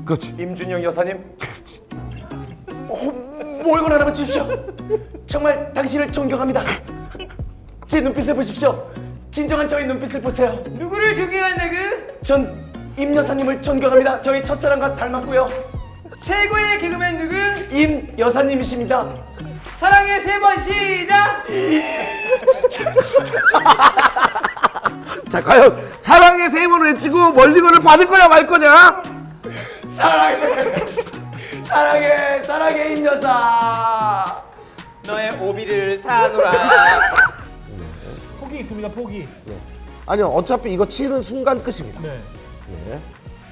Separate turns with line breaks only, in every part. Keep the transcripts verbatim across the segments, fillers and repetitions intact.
그렇지.
임준영 여사님.
그렇지.
어, 몰고 나라봐 주십시오. 정말 당신을 존경합니다. 제 눈빛을 보십시오. 진정한 저의 눈빛을 보세요.
누구를 존경한다구?
전 임 여사님을 존경합니다. 저희 첫사랑과 닮았고요.
최고의 개그맨 누구?
임 여사님이십니다.
사랑의 세 번 시작!
자, 과연 사랑의 세 번 외치고 멀리건을 받을 거냐 말 거냐?
사랑해, 사랑해, 사랑해 임 여사.
너의 오비를 사노라.
포기 있습니다. 포기.
아니요, 어차피 이거 치는 순간 끝입니다.
네.
네.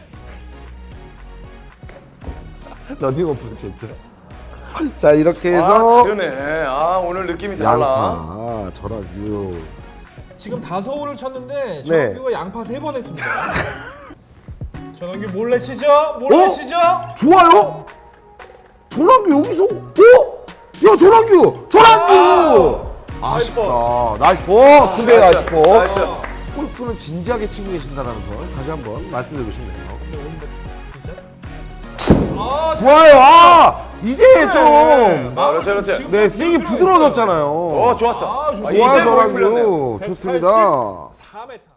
러닝오프 제죠. 자, 이렇게 해서
아, 그러네. 아, 오늘 느낌이 달라.
양파, 전화규.
지금 다섯 홀을 쳤는데
네.
전원규가 양파 세 번 했습니다. 전원규 몰래 치죠? 몰래
어?
치죠?
좋아요. 전화규 여기서. 어? 야, 전화규, 전화규. 아쉽다. 나이스 볼. 근데 나이스 볼.
나이스.
골프는 진지하게 치고 계신다는 걸 다시 한번 말씀드리고 싶네요.
아,
좋아요. 아, 이제 좀.
아, 그렇지, 그렇지.
지금
네,
좀
스윙이
들어가야
부드러워졌잖아요.
어, 좋았어.
아, 좋습니다.
아,
좋아요,
이제 몸이 풀렸네.
전화규. 좋습니다.
사 미터.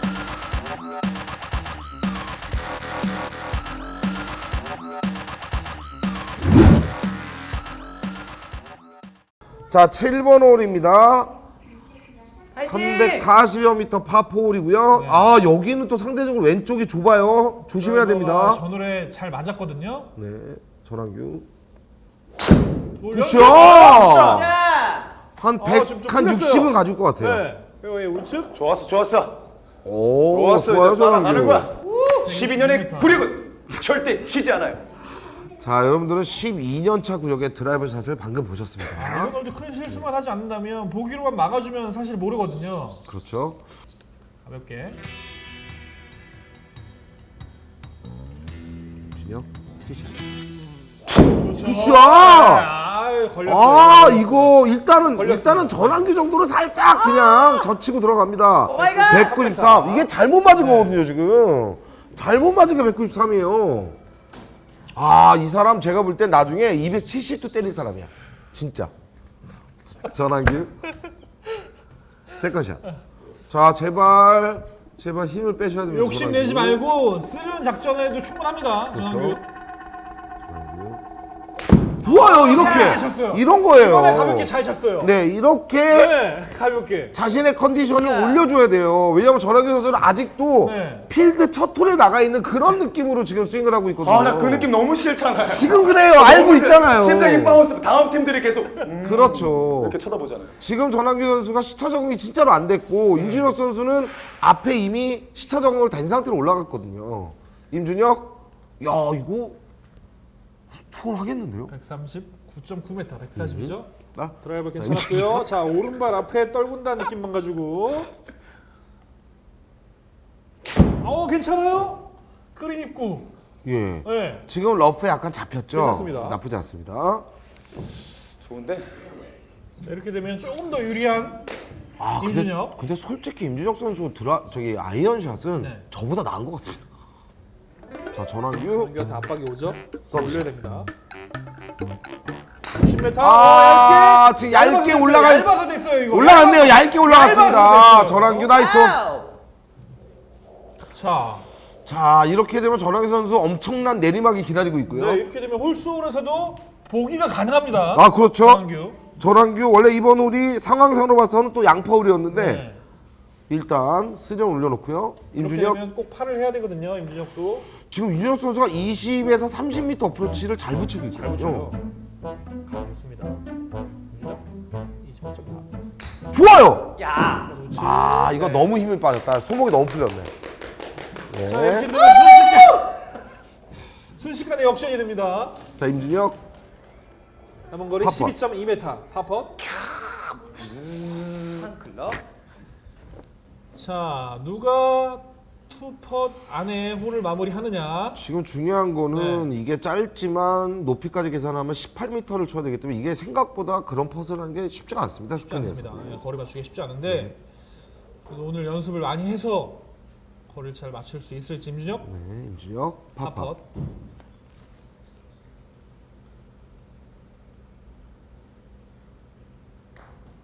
자, 칠 번 홀입니다.
화이팅!
삼백사십여 미터 파포홀이고요. 아, 여기는 또 상대적으로 왼쪽이 좁아요. 조심해야 됩니다.
저 노래 잘 맞았거든요.
네, 전환규.
돌려-
굿샷!
자!
한
아,
백,
지금 좀
한
풀렸어요.
육십은 가질 것 같아요.
네. 페어웨이 우측.
좋았어, 좋았어.
오,
좋았어.
좋아요,
이제 따라가는
전환규.
거야. 십이 년의 구력은 절대 쉬지 않아요.
자, 여러분들은 십이 년 차 구역의 드라이버 샷을 방금 보셨습니다.
아, 오늘도 큰 실수만 하지 않는다면 보기로만 막아주면 사실 모르거든요.
그렇죠.
가볍게.
진영, 티샷.
그렇죠.
굿샷!
아, 걸렸어요.
아, 이거 일단은
걸렸습니다.
일단은 전환규 정도는 살짝 그냥 젖히고 들어갑니다.
마이 갓!
백구십삼. 이게 잘못 맞은 거거든요, 지금. 잘못 맞은 게 백구십삼이에요. 아, 이 사람 제가 볼 땐 나중에 이백칠십도 때릴 사람이야. 진짜. 전환규. 세컨샷. 자, 제발 제발 힘을 빼셔야 됩니다.
욕심 내지
전환규.
말고 쓰려는 작전에도 충분합니다. 전환규.
좋아요, 이렇게.
잘 쳤어요.
이런 거예요.
이번에 가볍게 잘 쳤어요.
네, 이렇게
네, 가볍게.
자신의 컨디션을 올려줘야 돼요. 왜냐면 전환규 선수는 아직도
네.
필드 첫 홀에 나가 있는 그런 느낌으로 지금 스윙을 하고 있거든요.
아, 나 그 느낌 너무 싫잖아요.
지금 그래요. 알고 있잖아요.
심장이 바운스. 다음 팀들이 계속 음,
그렇죠.
이렇게 쳐다보잖아요.
지금 전환규 선수가 시차 적응이 진짜로 안 됐고 임준혁 선수는 앞에 이미 시차 적응을 된 상태로 올라갔거든요. 임준혁, 야 이거 투혼 하겠는데요?
백삼십구 점 구 미터, 백사십이죠?
나?
드라이버 괜찮았고요. 자, 오른발 앞에 떨군다는 느낌만 가지고. 어, 괜찮아요? 그린 입구.
예.
네.
지금 러프에 약간 잡혔죠?
괜찮습니다.
나쁘지 않습니다.
좋은데?
자, 이렇게 되면 조금 더 유리한
아, 근데,
임준혁.
근데 솔직히 임준혁 선수 드라 저기 아이언샷은
네.
저보다 나은 것 같습니다. 자, 전환규.
전환규한테 압박이 오죠?
서비스.
올려야 됩니다. 육십 미터.
아,
어,
지금 얇게 올라가 있-
얇아서 됐어요, 이거.
올라갔네요. 얇게 올라갔습니다.
얇아서 됐어요.
전환규 나이스.
와우!
자,
자, 이렇게 되면 전환규 선수 엄청난 내리막이 기다리고 있고요.
네, 이렇게 되면 홀수홀에서도 보기가 가능합니다.
아, 그렇죠.
전환규.
전환규 원래 이번 홀이 상황상으로 봐서는 또 양파 홀이었는데
네.
일단 쓰령 올려놓고요.
이렇게
임준혁
되면 꼭 팔을 해야 되거든요, 임준혁도.
지금 임준혁 선수가 이십에서 삼십 미터 어프로치를 잘 붙이고
잘 붙여요.
있거든요.
가겠습니다. 임준혁 이십일 점 사.
좋아요.
야!
아, 이거 너무 힘이 빠졌다. 손목이 너무 풀렸네.
자, 이렇게
네.
되면 순식간 순식간에 역전이 됩니다.
자, 임준혁.
남은 거리
팝펫.
십이 점 이 미터. 팝펫.
한 클럽.
자, 누가 투펫 안에 홀을 마무리하느냐.
지금 중요한 거는 이게 짧지만 높이까지 계산하면 십팔 미터를 쳐야 되기 때문에 이게 생각보다 그런 퍼즐 하는 게 쉽지가 않습니다.
쉽지
스크린에서.
않습니다. 예, 거리 맞추기 쉽지 않은데 그래도 오늘 연습을 많이 해서 거리를 잘 맞출 수 있을지 임준혁.
네, 임준혁. 파파.
팝펫.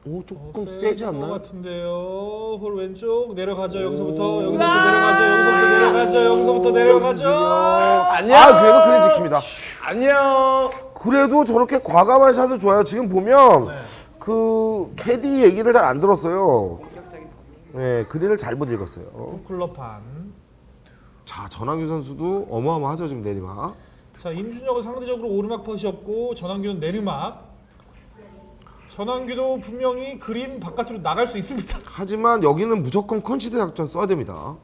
오 조금
어,
세지
것
않나요?
같은데요. 홀 왼쪽 내려가죠. 여기서부터 여기서부터 내려가죠. 여기서부터 내려가죠. 여기서부터 내려가죠.
안녕.
아 그래도 그린 지킵니다.
안녕.
그래도 저렇게 과감한 샷을 좋아요. 지금 보면
네.
그 캐디 얘기를 잘 안 들었어요. 네, 그린을 잘못 읽었어요.
클럽판.
자, 전환규 선수도 어마어마하죠 지금 내리막.
자, 임준혁은 상대적으로 오르막 퍼시였고 전환규는 내리막. 전환규도 분명히 그린 바깥으로 나갈 수 있습니다.
하지만 여기는 무조건 컨시드 작전 써야 됩니다.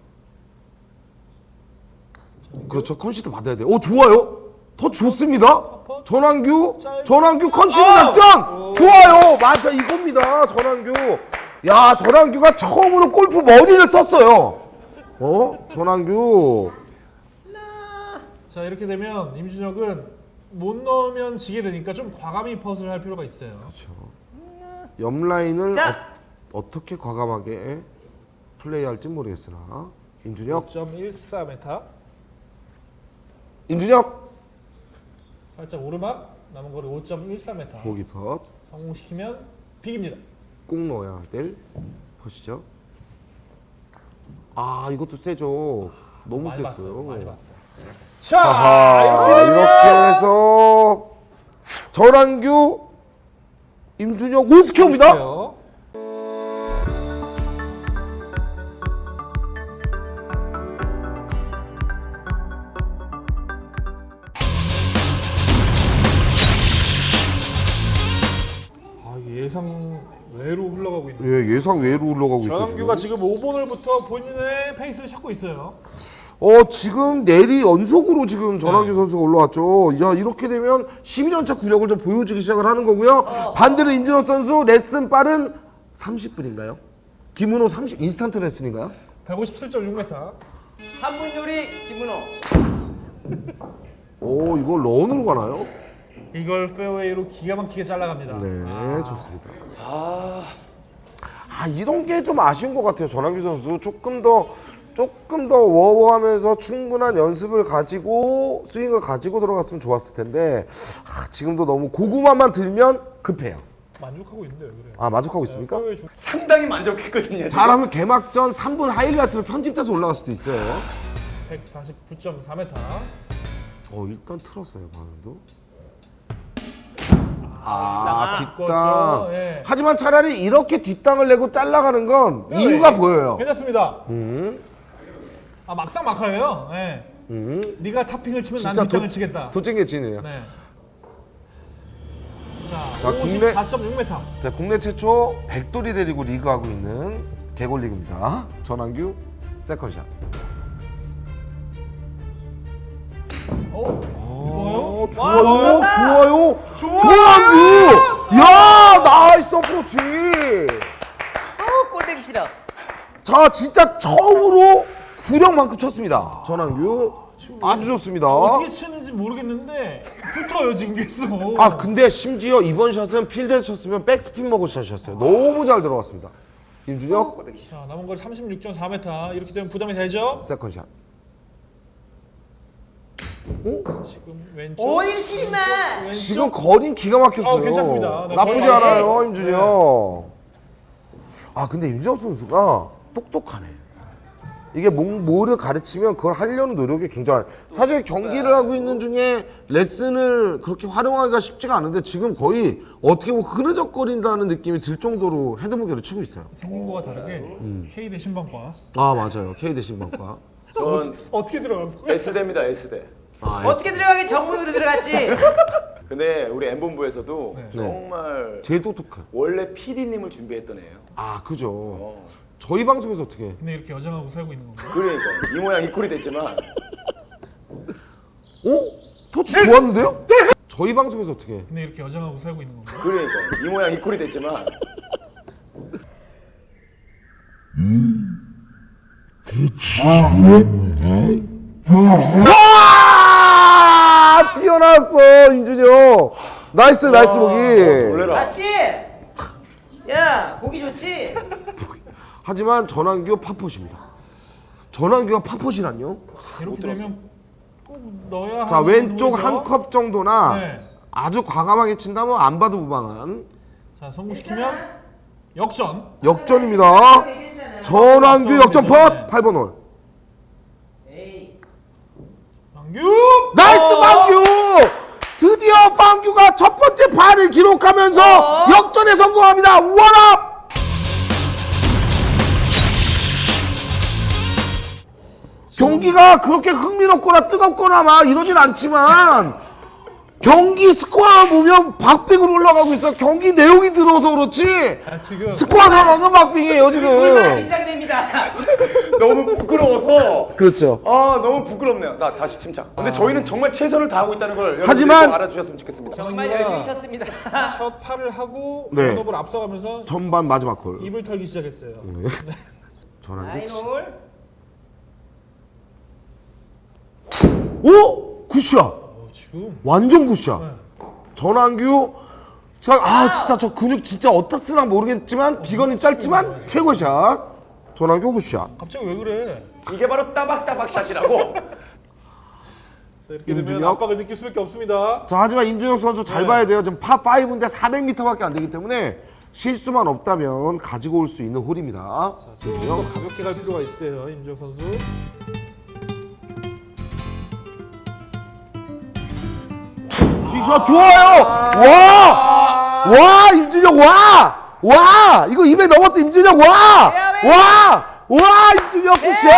그렇죠, 컨시드 받아야 돼요. 오 좋아요. 더 좋습니다. 전환규, 전환규 컨시드 작전 좋아요. 맞아 이겁니다. 전환규. 야, 전환규가 처음으로 골프 머리를 썼어요. 어? 전환규.
자, 이렇게 되면 임준혁은 못 넣으면 지게 되니까 좀 과감히 퍼스를 할 필요가 있어요.
옆 라인을
자.
어, 어떻게 과감하게 플레이할지 모르겠으나 임준혁,
오 점 일사 미터.
임준혁
살짝 오르막. 남은 거리 오 점 일사 미터.
보기 펫.
성공시키면 빅입니다.
꼭 넣어야 될 펫이죠. 아 이것도 세죠. 너무
많이 봤어요.
셌어요.
많이 봤어요. 자,
아하,
이렇게 되면
이렇게 해서 전환규, 임준혁 올스퀘어입니다.
볼게요. 아, 이게 예상 외로 흘러가고 있는.
예, 예상 외로 올라가고 있죠.
전환규가
지금.
지금 오 번을부터 본인의 페이스를 찾고 있어요.
어 지금 내리 연속으로 지금 전환규
네.
선수가 올라왔죠. 야 이렇게 되면 십이 년차 구력을 좀 보여주기 시작을 하는 거고요. 반대로 임준혁 선수 레슨 빠른 삼십 분인가요? 김은호 삼십 인스턴트 레슨인가요?
백오십칠 점 육 미터.
한 분 요리 김문호.
오 이거 런으로 가나요?
이걸 페어웨이로 기가 막히게 잘라갑니다.
네
아,
좋습니다. 아 이런 게 좀 아쉬운 것 같아요. 전환규 선수 조금 더 조금 더 워워하면서 충분한 연습을 가지고 스윙을 가지고 들어갔으면 좋았을 텐데 아, 지금도 너무 고구마만 들면 급해요.
만족하고 있는데 왜 그래요?
아 만족하고 있습니까?
페어웨이 주...
상당히 만족했거든요. 지금.
잘하면 개막전 삼 분 하이라이트로 편집돼서 올라갈 수도 있어요.
백사십구 점 사 미터.
어 일단 틀었어요 방금도.
아,
아
뒷땅.
뒷땅.
예.
하지만 차라리 이렇게 뒷땅을 내고 잘라가는 건 이유가 보여요.
괜찮습니다.
음,
아, 막상 막하예요. 예.
음.
네가 탑핑을 치면 난
진짜
뒷땅을
도-
치겠다.
도찐개치네요.
네.
자,
자,
국내-
오십사 점 육 미터.
자 국내 최초 백돌이 데리고 리그하고 있는 개골리그입니다. 전환규 세컨샷.
어?
어,
좋아요?
좋아요, 좋아요,
좋아요.
전환규. 야 나이스 어프로치.
어, 꼴배기 싫어.
자 진짜 처음으로 구력만큼 쳤습니다. 전환규 아주 좋습니다.
어떻게 치는지 모르겠는데 붙어요 지금 계속.
아 근데 심지어 이번 샷은 필드에서 쳤으면 백스핀 먹은 샷이었어요. 너무 잘 들어갔습니다. 임준혁
자, 남은 거리 삼십육 점 사 미터. 이렇게 되면 부담이 되죠?
세컨샷.
지금 왼쪽.
오일 치지 마.
왼쪽.
지금 거린 기가 막혔어요.
아, 괜찮습니다. 네,
나쁘지
거의
않아요 임준혁. 아 근데 임준혁 선수가 똑똑하네. 이게 뭐, 뭐를 가르치면 그걸 하려는 노력이 굉장히 사실 경기를 하고 있는 중에 레슨을 그렇게 활용하기가 쉽지가 않은데 지금 거의 어떻게 보면 흐느적거린다는 느낌이 들 정도로 헤드무게를 치고 있어요.
생긴 거와 다르게
음.
K 대 신방과
아 맞아요. K 대 신방과.
전
어떻게 들어간 거예요?
S대입니다. S대.
아,
어떻게 들어가긴 정문으로 들어갔지.
근데 우리 엠본부에서도
네.
정말
제일 똑똑해.
원래 피디님을 준비했던 애예요.
아 그죠.
어.
저희 방송에서 어떻게 해?
근데 이렇게 여장하고 살고 있는 건가요?
그러니까 이 모양 이 꼴이 됐지만
어? 터치 좋았는데요? 저희 방송에서 어떻게 해?
근데 이렇게 여장하고 살고 있는 건가요?
그러니까 이 모양 이 꼴이 됐지만
와! 뛰어났어 임준혁. 나이스 나이스 보기.
놀래라.
맞지? 야, 보기 좋지?
하지만 전환규 파포시입니다. 전환규가 파포시란요?
이렇게 되면 꼭 넣어야
자
하는
왼쪽
홀이죠?
한 컵 정도나
네.
아주 과감하게 친다면 안 봐도 무방한.
자, 성공시키면 역전.
역전입니다. 전환규 역전 펫 팔 번 홀.
에이.
방규.
나이스 방규! 드디어 방규가 첫 번째 발을 기록하면서 역전에 성공합니다. 원업! 경기가 그렇게 흥미롭거나 뜨겁거나 막 이러진 않지만 경기 스코어 보면 박빙으로 올라가고 있어. 경기 내용이 들어서 그렇지
아, 지금
스코어 상황은 박빙이에요
얼마나
지금.
긴장됩니다.
너무 부끄러워서
그렇죠.
아 너무 부끄럽네요. 나 다시 침착. 근데 저희는 정말 최선을 다하고 있다는 걸 여러분들이
하지만-
꼭 알아주셨으면 좋겠습니다.
정말
전환규가
열심히 쳤습니다.
첫 팔을 하고
네.
번업을 앞서가면서
전반 마지막 홀.
입을 털기 시작했어요. 네.
전환규.
나인홀.
오! 굿샷!
어, 지금
완전 굿샷.
네.
전환규. 자, 아 진짜 저 근육 진짜 어디다 쓰나 모르겠지만 비건이 짧지만 최고 샷. 전환규 굿샷.
갑자기 왜 그래?
이게 바로 따박따박 샷이라고.
자, 이렇게 되면
임준혁.
압박을 느낄 수밖에 없습니다.
자, 하지만 임준혁 선수 잘
네.
봐야 돼요. 지금 파5인데 사백 미터밖에 안 되기 때문에 실수만 없다면 가지고 올 수 있는 홀입니다.
자, 좀 더 가볍게 갈 필요가 있어요, 임준혁 선수.
티샷 좋아요. 와, 와 임준혁 와, 와 이거 입에 넣었어 임준혁 와, 와, 와 임준혁 굿샷.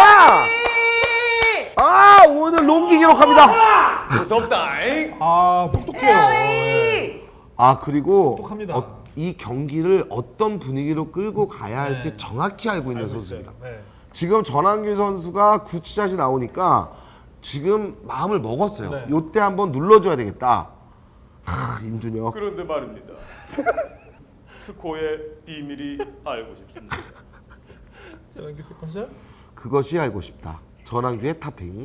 아 오늘 롱기 기록합니다.
무섭다잉.
아, 똑똑해요. 네.
아 그리고
똑똑합니다.
어, 이 경기를 어떤 분위기로 끌고 가야 할지
네.
정확히 알고 있는
알고
선수입니다.
있어요. 네.
지금 전환규 선수가 굿샷이 나오니까 지금 마음을 먹었어요.
네.
요때 한번 눌러줘야 되겠다. 하, 임준혁.
그런데 말입니다. 스코어의 비밀이 알고 싶습니다.
자, 이렇게 세컨샷.
그것이 알고 싶다. 전환규의 탑핑.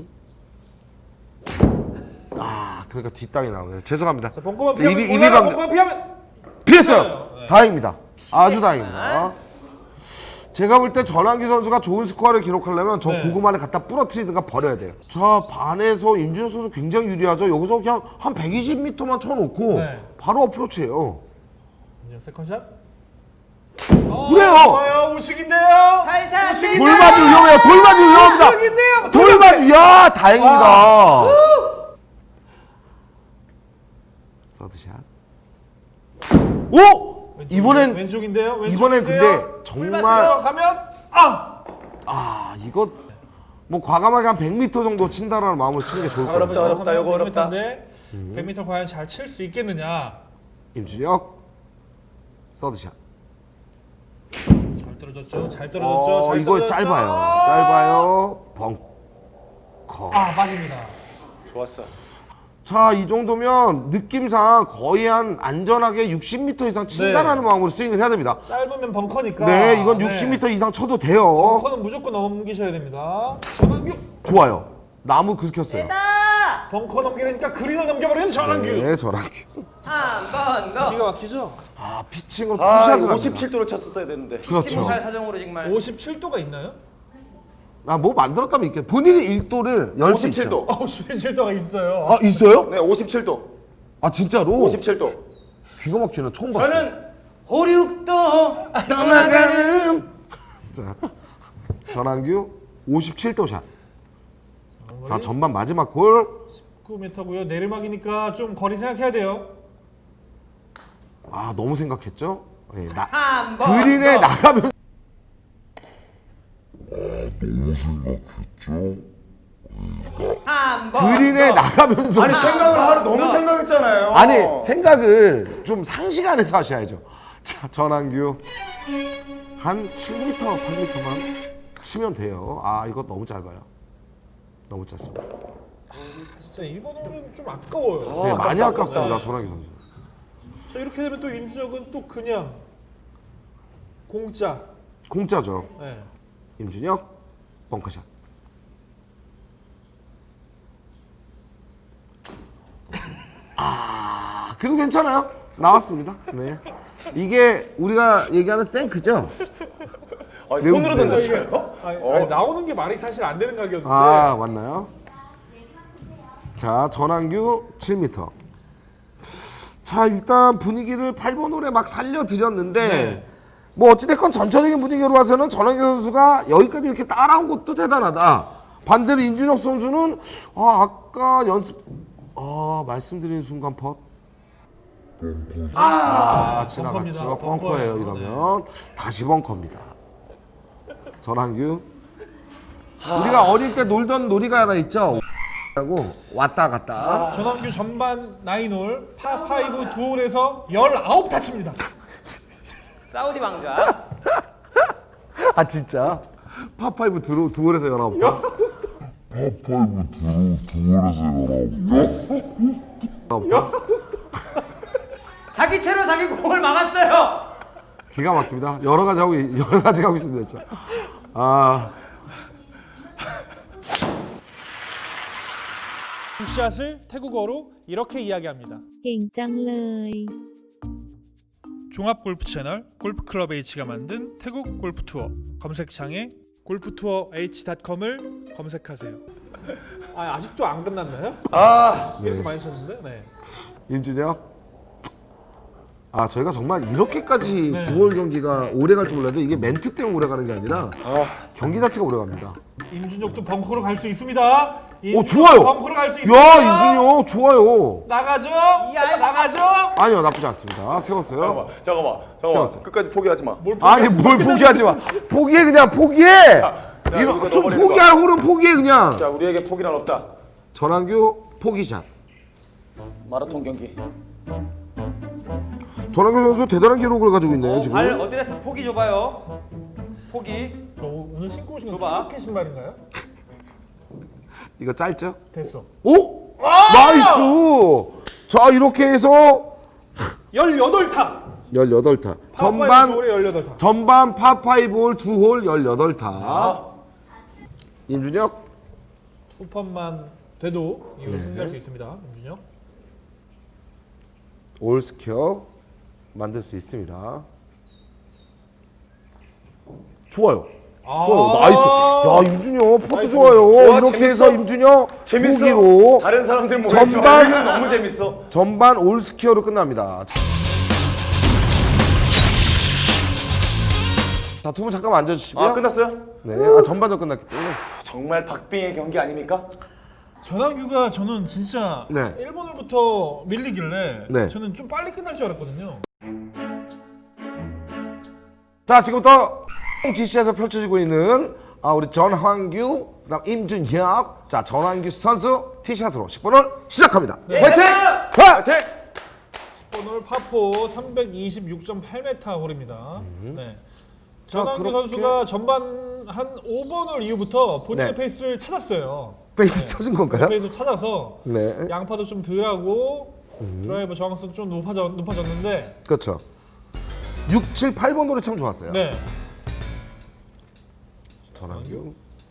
아, 그러니까 뒷땅이 나오네요. 죄송합니다.
자, 벙커만 피하면
입이- 입이
올라가,
감-
벙커만 피하면.
피했어요.
네.
다행입니다. 아주 다행입니다. 제가 볼 때 전환규 선수가 좋은 스코어를 기록하려면 저
네.
고구마를 갖다 부러뜨리든가 버려야 돼요. 자, 반에서 임준혁 선수 굉장히 유리하죠. 여기서 그냥 한 백이십 미터만 쳐놓고
네.
바로 어프로치예요.
임준혁 세컨샷.
그래요.
좋아요, 우측인데요.
살살
우측인데요.
돌맞이 위험해요. 돌맞이 위험합니다.
우측인데요.
돌맞이, 야 다행입니다. 서드샷. 오! 이번엔
왼쪽인데요. 왼쪽인데요.
이번엔 근데 정말
들어가면 아.
아 이거 뭐 과감하게 한 백 미터 정도 친다라는 마음으로 치는 게 좋을 것
어렵다,
같아요.
어렵다, 이거 어렵다.
백 미터 과연 잘 칠 수 있겠느냐?
임준혁 서드샷.
잘 떨어졌죠. 잘 떨어졌죠.
어
잘
이거
떨어졌죠.
짧아요. 짧아요. 벙커.
아, 빠집니다.
좋았어.
자, 이 정도면 느낌상 거의 한 안전하게 육십 미터 이상 친다라는 마음으로 스윙을 해야 됩니다.
짧으면 벙커니까.
네, 이건 육십 미터 이상 쳐도 돼요.
벙커는 무조건 넘기셔야 됩니다. 전환규.
좋아요. 나무 긁혔어요.
다
벙커 넘기니까 그린을 넘겨버리는 전환규.
네, 저랑.
한번 더.
기가 막히죠?
아, 피칭을
아
푸샷을
오십칠 도로 쳤었어야 되는데.
그렇죠.
팀살 사정으로 정말.
오십칠 도가 있나요?
아, 뭐 만들었다면 있겠 본인이 일 도를 열 수
오십칠 도.
있죠.
아, 오십칠 도가 있어요.
아, 있어요?
네 오십칠 도.
아, 진짜로?
오십칠 도.
귀가 막히는 처음 봤어요.
저는 오륙도
떠나가는 자, 전환규 오십칠 도 샷. 자, 전반 마지막 골.
구 미터고요. 내리막이니까 좀 거리 생각해야 돼요.
아, 너무 생각했죠? 예, 나,
한번
그린에
더.
나가면
한번
그린에
더.
나가면서
아니 생각을 하루 너무 생각했잖아요.
아니 생각을 좀 상시간에서 하셔야죠. 자, 전환규 한 칠 미터, 팔 미터만 치면 돼요. 아, 이거 너무 짧아요. 너무 짧습니다.
진짜 이번 홀은 좀 아까워요.
네, 많이
아깝다,
아깝습니다,
아깝다.
전환규 선수.
자, 이렇게 되면 또 임준혁은 또 그냥 공짜.
공짜죠.
네.
임준혁 벙커샷. 아, 그래도 괜찮아요. 나왔습니다. 네. 이게 우리가 얘기하는 생크죠?
아,
매우
손으로
세요.
던졌어요?
아니,
어.
아니, 나오는 게 말이 사실 안 되는 가격인데.
아, 맞나요? 자, 전환규 칠 미터. 자, 일단 분위기를 팔 번 홀에 막 살려드렸는데
네.
뭐 어찌됐건 전체적인 분위기로 봐서는 전환규 선수가 여기까지 이렇게 따라온 것도 대단하다. 반대로 임준혁 선수는 아, 아까 연습 아 말씀드린 순간 펫. 아,
벙커입니다.
지나갔죠. 벙커예요.
벙커예요.
이러면 다시 벙커입니다. 전환규. 우리가 어릴 때 놀던 놀이가 하나 있죠. 하고 왔다 갔다.
전환규 전반 나인홀 파파이브 두 홀에서 열아홉 타칩니다.
사우디 왕자.
아 진짜? 파파이브 두, 두 홀에서 열아홉 타?
파파이브 두, 두 월에서 열아홉 타?
자기 채로 자기 공을 막았어요.
기가 막힙니다. 여러 가지 하고 여러 가지 하고 있습니다. 진짜. 아
굿샷을 태국어로 이렇게 이야기합니다.
เก่งจังเลย
종합 골프 채널 골프클럽 H가 만든 태국 골프 투어 검색창에 골프투어 에이치 닷컴을 검색하세요. 아, 아직도 안 끝났나요?
아,
이렇게 많이 쳤는데. 네.
임준혁. 아 저희가 정말 이렇게까지
네.
두월 경기가 오래 갈 줄 몰랐는데 이게 멘트 때문에 오래 가는 게 아니라 경기 자체가 오래 갑니다.
임준혁도 벙커로 갈 수 있습니다.
오 좋아요.
벙커로 갈 수 있습니다.
야 임준혁 좋아요.
나가죠. 나가죠.
아니요 나쁘지 않습니다. 세웠어요.
잠깐만, 잠깐만, 잠깐만.
세웠어.
끝까지 포기하지 마.
뭘
아니 뭘 포기하지 마. 포기해 그냥 포기해.
야,
이거
여기서
좀
넣어버리는
포기할 홀은 포기해 그냥.
자, 우리에게 포기란 없다.
전환규 포기샷.
마라톤 경기.
전환규 선수 대단한 기록을 가지고 있네요 지금.
발 어드레스 포기 줘봐요. 포기.
저 오늘 신고 오신 거
줘봐.
피켓 신발인가요?
이거 짧죠?
됐어.
오! 나이스! 자 이렇게 해서
열여덟 타.
열여덟 타.
전반
전반
홀에 열여덟 타.
전반 파파이브 홀 두 홀 열여덟 타. 임준혁
투펀만 돼도 이후로 승리할 수 있습니다. 임준혁.
올 스퀘어 만들 수 있습니다. 좋아요.
아.
좋아요. 나이스. 야 임준혁 퍼트
나이스.
좋아요.
와,
이렇게
재밌어.
해서 임준혁
재밌어.
보기로
다른 사람들 뭐
전반-
전반 너무 재밌어.
전반 올 스퀘어로 끝납니다. 자, 두 분 잠깐만 앉아주시고요.
아, 끝났어요?
네, 아, 전반전 끝났기 때문에.
정말 박빙의 경기 아닙니까?
전환규가 저는 진짜
네.
일 번홀부터 밀리길래
네.
저는 좀 빨리 끝날 줄 알았거든요.
자, 지금부터 지시에서 펼쳐지고 있는 아, 우리 전환규, 그다음 임준혁. 자, 전환규 선수 티샷으로 십 번을 시작합니다.
네.
화이팅! 화이팅!
십 번홀 파포 삼백이십육 점 팔 미터 홀입니다. 네. 전환규
그렇게-
선수가 전반 한 오 번홀 이후부터 본인의
네.
페이스를 찾았어요.
페이스 쳐진 건가요?
페이스 찾아서
네.
양파도 좀 덜하고 드라이버 정확성 좀 높아졌, 높아졌는데
그렇죠. 육, 칠, 팔 번 홀이 참 좋았어요.
네.
전환규.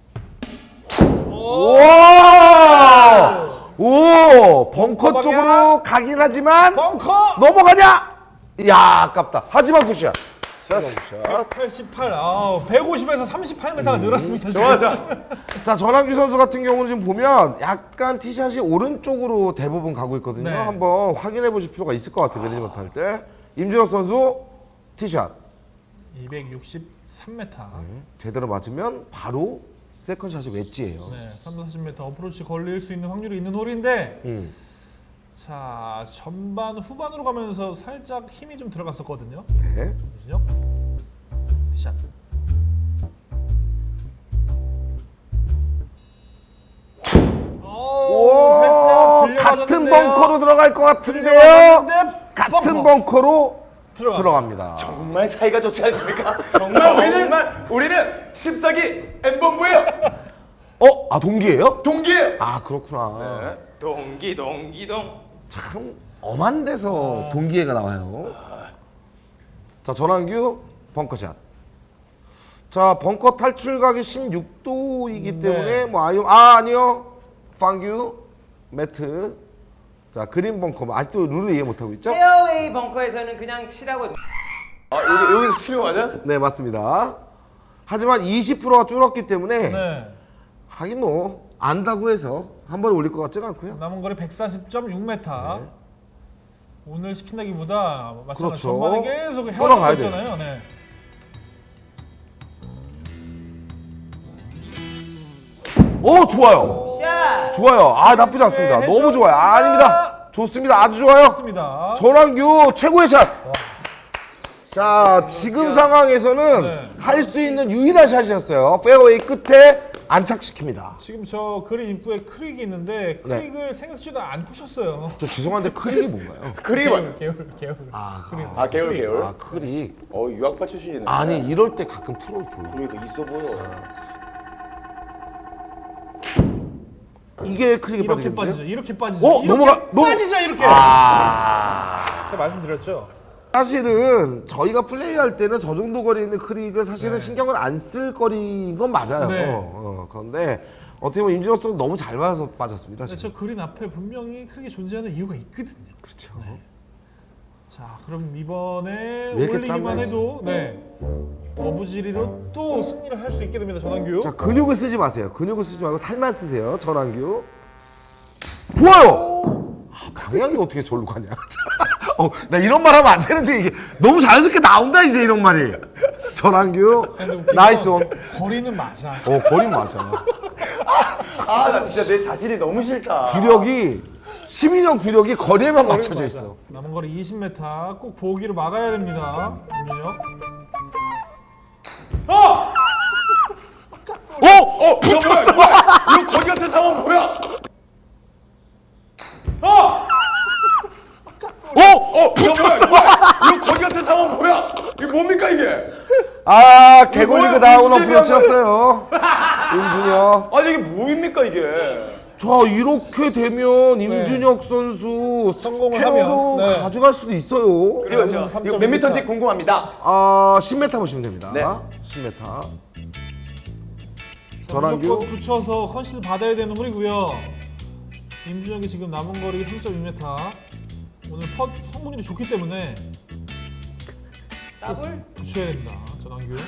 오!
와! 오! 벙커
벙커
쪽으로
방향.
가긴 하지만
벙커!
넘어가냐? 이야, 아깝다. 하지만 굿샷. 굿샷.
백팔십팔. 아, 백오십에서 삼십팔 미터가 늘었습니다.
좋아,
지금.
좋아.
자, 전환규 선수 같은 경우는 지금 보면 약간 티샷이 오른쪽으로 대부분 가고 있거든요.
네.
한번 확인해 보실 필요가 있을 것 같아요. 매니지먼트 할 때. 임준혁 선수 티샷.
이백육십삼 미터.
제대로 맞으면 바로 세컨샷이 웨지예요.
네, 삼백사십 미터 어프로치 걸릴 수 있는 확률이 있는 홀인데
음.
자, 전반 후반으로 가면서 살짝 힘이 좀 들어갔었거든요.
네.
임준혁. 샷. 오,
오,
살짝 들려맞았는데요.
같은 벙커로 들어갈 것 같은데요.
들려맞았는데
같은
벙커.
벙커로
들어가.
들어갑니다.
정말 사이가 좋지 않습니까? 정말 우리는 정말 우리는 십사기 엠본부예요.
어? 아 동기예요?
동기예요.
아 그렇구나.
네.
동기 동기 동.
참 엄한 데서 동기애가 나와요. 자 전환규 벙커샷. 자 벙커 탈출각이 십육 도이기
네.
때문에 뭐 아유 아 아니요 방규 매트. 자 그린 벙커 아직도 룰을 이해 못하고 있죠?
페어웨이 벙커에서는 그냥 치라고.
아, 여기 여기서 치는 거 맞아?
네 맞습니다. 하지만 이십 퍼센트가 줄었기 때문에
네.
하긴 뭐 안다고 해서 한 번에 올릴 것 같지는 않고요.
남은 거리 백사십 점 육 미터.
네.
오늘 시킨다기보다 마찬가지
그렇죠.
전반에 계속
끌어가야
헤어졌잖아요. 네.
오 좋아요.
샷.
좋아요. 아 나쁘지 않습니다.
네,
너무 좋아요. 아, 아닙니다. 좋습니다. 아주 좋아요.
좋습니다.
전환규 최고의 샷. 자 지금 상황에서는
네.
할 수 있는 유일한 샷이었어요. 페어웨이 끝에 안착시킵니다.
지금 저 그린 입구에 크릭이 있는데
네.
크릭을 생각지도 않고 쳤어요.
저 죄송한데 크릭이 뭔가요?
그림.
개울, 개울, 개울.
아,
아 개울 개울.
아 크릭.
어 유학파 출신이네.
아니 이럴 때 가끔 프로 보여.
그러니까 있어 보여.
이게 크릭이
이렇게
빠지겠는데요?
빠지죠. 이렇게 빠지죠.
어
이렇게
넘어가 넘.
빠지죠 이렇게.
아.
제가 말씀드렸죠.
사실은 저희가 플레이할 때는 저 정도 거리 있는 크릭을 사실은 신경을 안 쓸 거리인 건 맞아요.
네.
어, 그런데 어떻게 보면 임진혁 선수 너무 잘 맞아서 빠졌습니다.
근데
지금.
저 그린 앞에 분명히 크릭이 존재하는 이유가 있거든요.
그렇죠.
자, 그럼 이번에
왜 이렇게
올리기만
짠맛이-
해도 네 어부지리로 또 승리를 할 수 있게 됩니다. 전환규.
자 근육을 쓰지 마세요. 근육을 쓰지 말고 살만 쓰세요. 전환규. 좋아요. 아, 방향이 어떻게 절로 가냐. 어, 나 이런 말 하면 안 되는데 이게 너무 자연스럽게 나온다 이제 이런 말이. 전환규
근데 웃긴
나이스
건
온.
거리는 맞아.
어 거리 맞아.
아 나 진짜 내 자신이 너무 싫다.
구력이 시민형 구력이 거리에만 맞춰져
맞아.
있어.
남은 거리 이십 미터 꼭 보기로 막아야 됩니다. 임민혁.
어! 어!
붙었어. 이거 거기 같은 상황 뭐야?
어! 어!
붙었어. 이거 거기 같은 상황 뭐야? 이거 뭡니까 이게?
아 개골리그
뭐야,
나온
무슨
어프로치였어요. 임준혁.
아니 이게 뭐입니까 이게?
자 이렇게 되면 임준혁 선수
성공을
스퀘어로
하면, 네.
가져갈 수도 있어요.
그렇죠.
삼
이거
점
몇
일
미터인지
미터.
궁금합니다.
아 십 미터 보시면 됩니다.
네.
십 미터.
자,
전환규.
무조건 붙여서 컨시드 받아야 되는 홀이고요. 임준혁이 지금 남은 거리 삼 점 이 미터. 오늘 펫 성분이 좋기 때문에
더블.
붙여야 됩니다. 전환규.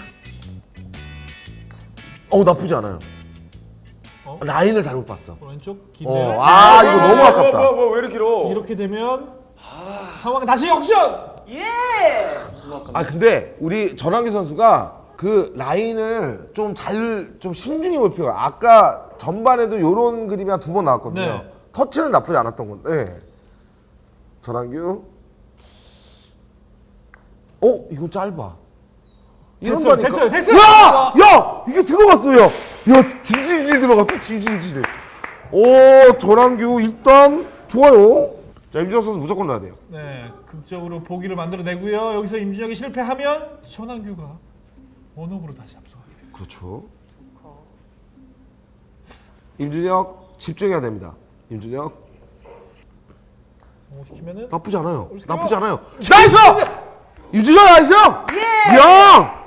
어 나쁘지 않아요.
어?
라인을 잘못 봤어.
왼쪽 긴데요.
어, 아 이거 너무 아깝다.
뭐, 뭐, 뭐, 왜 이렇게 길어?
이렇게 되면 상황 다시 역전.
예.
아 근데 우리 전환기 선수가 그 라인을 좀 잘 좀 신중히 볼 필요가. 아까 전반에도 요런 그림이 한 두 번 나왔거든요.
네.
터치는 나쁘지 않았던 건데. 전환규. 어 이거 짧아. 이런
됐어요,
거니까.
됐어요, 됐어요.
야! 야! 이게 들어갔어요. 야, 질질질 들어갔어. 질질질. 오, 전환규 일단 좋아요. 자, 임준혁 선수 무조건 넣어야 돼요.
네, 극적으로 보기를 만들어내고요. 여기서 임준혁이 실패하면 전환규가 원업으로 다시 앞서가게 됩니다.
그렇죠. 임준혁 집중해야 됩니다. 임준혁
성공시키면은
나쁘지 않아요.
올스케어.
나쁘지 않아요. 나이스! 임준혁 나이스! 예! 야!